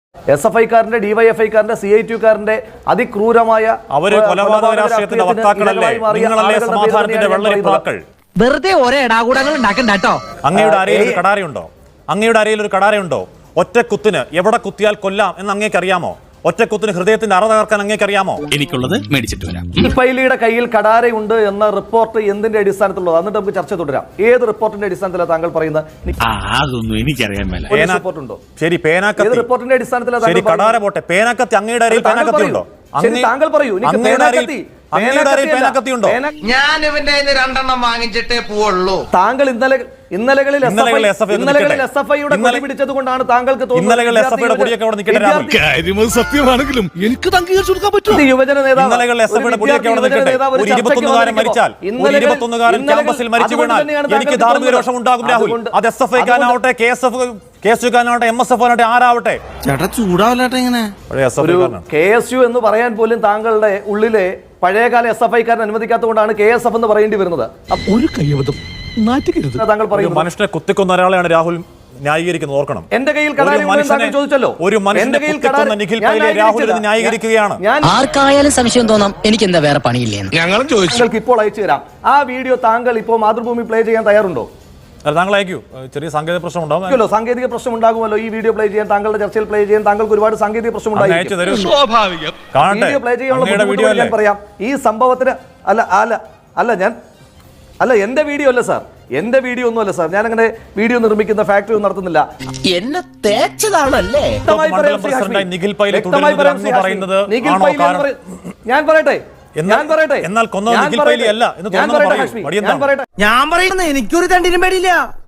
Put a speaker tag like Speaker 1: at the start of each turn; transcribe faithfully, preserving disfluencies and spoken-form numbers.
Speaker 1: S F ഐക്കാരന്റെ ഡിവൈഎഫ്ഐക്കാരന്റെ C I ടിക്കാരന്റെ അതിക്രൂരമായ
Speaker 2: അവര് കൊലപാതക രാഷ്ട്രീയത്തിന്റെ വക്താക്കളല്ലേ? നിങ്ങളല്ലേ സമാധാനത്തിന്റെ വെള്ളരിപ്പാക്കൾ?
Speaker 3: വെറുതെ ഓരോ ഇടാകൂടങ്ങൾ ഉണ്ടാക്കണ്ട കേട്ടോ.
Speaker 2: അങ്ങയുടെ അരയിൽ ഒരു കടാരയുണ്ടോ? അങ്ങയുടെ അരയിൽ ഒരു കടാരയുണ്ടോ? ഒറ്റക്കുത്തിന് എവിടെ കുത്തിയാൽ കൊല്ലാം എന്ന് അങ്ങേക്ക് അറിയാമോ? ഒറ്റക്കുത്തിന് ഹൃദയത്തിന്റെ അറ തകർക്കാൻ അങ്ങേക്ക് അറിയാമോ?
Speaker 4: എനിക്കുള്ളത് മേടിച്ചിട്ട് വരാം.
Speaker 1: പൈലിയുടെ കയ്യിൽ കടാരയുണ്ട് എന്ന റിപ്പോർട്ട് എന്തിന്റെ അടിസ്ഥാനത്തിലുള്ളത്? എന്നിട്ട് നമുക്ക് ചർച്ച തുടരാം. ഏത് റിപ്പോർട്ടിന്റെ അടിസ്ഥാനത്തിലാണ് താങ്കൾ പറയുന്നത്?
Speaker 4: അതൊന്നും എനിക്കറിയാൻ മേല.
Speaker 1: റിപ്പോർട്ടുണ്ടോ?
Speaker 2: ശരി, പേനാക്കത്തി.
Speaker 1: ഏത് റിപ്പോർട്ടിന്റെ അടിസ്ഥാനത്തിലാണ്?
Speaker 2: ശരി, കടാര പോട്ടെ. പേനാക്കത്തി അങ്ങയുടെ അരയിൽ പേനാക്കത്തി ഉണ്ടോ?
Speaker 1: താങ്കൾ പറയൂ.
Speaker 3: ഞാൻ ഇവന്റെ രണ്ടെണ്ണം വാങ്ങിച്ചിട്ടേ പോവുള്ളൂ.
Speaker 1: താങ്കൾ ഇന്നലെ ഇന്നലകളിൽ ഇന്നലകളിൽ എസ് എഫ് ഐയുടെ കൊടി പിടിച്ചത് കൊണ്ടാണ് താങ്കൾക്ക്
Speaker 4: സത്യമാണെങ്കിലും എനിക്ക് അംഗീകരിച്ചു കൊടുക്കാൻ പറ്റും.
Speaker 1: യുവജന നേതാവ്
Speaker 2: എനിക്ക് ധാർമ്മിക രോഷം ഉണ്ടാകും രാഹുൽ. അത് എസ് എഫ് ഐക്കാനാവട്ടെ, K S F K S യുക്കാനാവട്ടെ, എം എസ് എഫ് ആവട്ടെ, ആരാവട്ടെ.
Speaker 4: ചേട്ടാ ചൂടാവട്ടെ. ഇങ്ങനെ
Speaker 1: കെ എസ് യു എന്ന് പറയാൻ പോലും താങ്കളുടെ ഉള്ളിലെ പഴയകാല എസ് എഫ് ഐക്കാരൻ അനുവദിക്കാത്തതുകൊണ്ടാണ് കെ എസ് എഫ് എന്ന് പറയേണ്ടി വരുന്നത്.
Speaker 4: ഒരു കൈവതം
Speaker 1: താങ്കൾ പറയുന്നത്
Speaker 2: മനുഷ്യനെ കുത്തിക്കൊന്ന ഒരാളെയാണ് രാഹുൽ ന്യായീകരിക്കുന്നത്. ഓർക്കണം,
Speaker 1: എന്റെ കയ്യിൽ ചോദിച്ചല്ലോ.
Speaker 2: ഒരു മനുഷ്യനെ കുത്തിക്കൊന്ന നിഖിൽ പൈലയെ രാഹുൽ ഇത് ന്യായീകരിക്കുകയാണ്.
Speaker 3: ആർക്കായാലും സംശയം തോന്നാം, എനിക്ക് എന്താ വേറെ പണിയില്ലേ?
Speaker 4: ഞങ്ങളും ചോദിച്ചു.
Speaker 1: ഇപ്പോൾ അയച്ചു തരാം ആ വീഡിയോ. താങ്കൾ ഇപ്പോൾ മാതൃഭൂമി പ്ലേ ചെയ്യാൻ തയ്യാറുണ്ടോ?
Speaker 2: താങ്കൾ അയക്കൂ. ചെറിയ സാങ്കേതിക പ്രശ്നം ഉണ്ടാകുമല്ലോ.
Speaker 1: സാങ്കേതിക പ്രശ്നം ഉണ്ടാകുമല്ലോ. ഈ വീഡിയോ പ്ലേ ചെയ്യാൻ, താങ്കളുടെ ചർച്ചയിൽ പ്ലേ ചെയ്യാൻ താങ്കൾക്ക് ഒരുപാട് സാങ്കേതിക പ്രശ്നം ഉണ്ടായിരിക്കും. പ്ലേ ചെയ്യാനുള്ള പറയാം. ഈ സംഭവത്തിന് അല്ല അല്ല അല്ല ഞാൻ അല്ല എന്റെ വീഡിയോ അല്ല സാർ, എന്റെ വീഡിയോ ഒന്നും അല്ല സാർ. ഞാൻ അങ്ങനെ വീഡിയോ നിർമ്മിക്കുന്ന ഫാക്ടറി ഒന്നും നടത്തുന്നില്ല.
Speaker 3: എന്നെ തേച്ചതാണല്ലേ?
Speaker 1: ഞാൻ പറയട്ടെ ഞാൻ പറയട്ടെ
Speaker 2: എന്നാൽ കൊന്നത് നിഖിൽ പൈലി അല്ല എന്ന് തോന്നുന്നു.
Speaker 3: ഞാൻ പറയുന്നത് എനിക്കൊരു തണ്ടിനും പേടിയില്ല.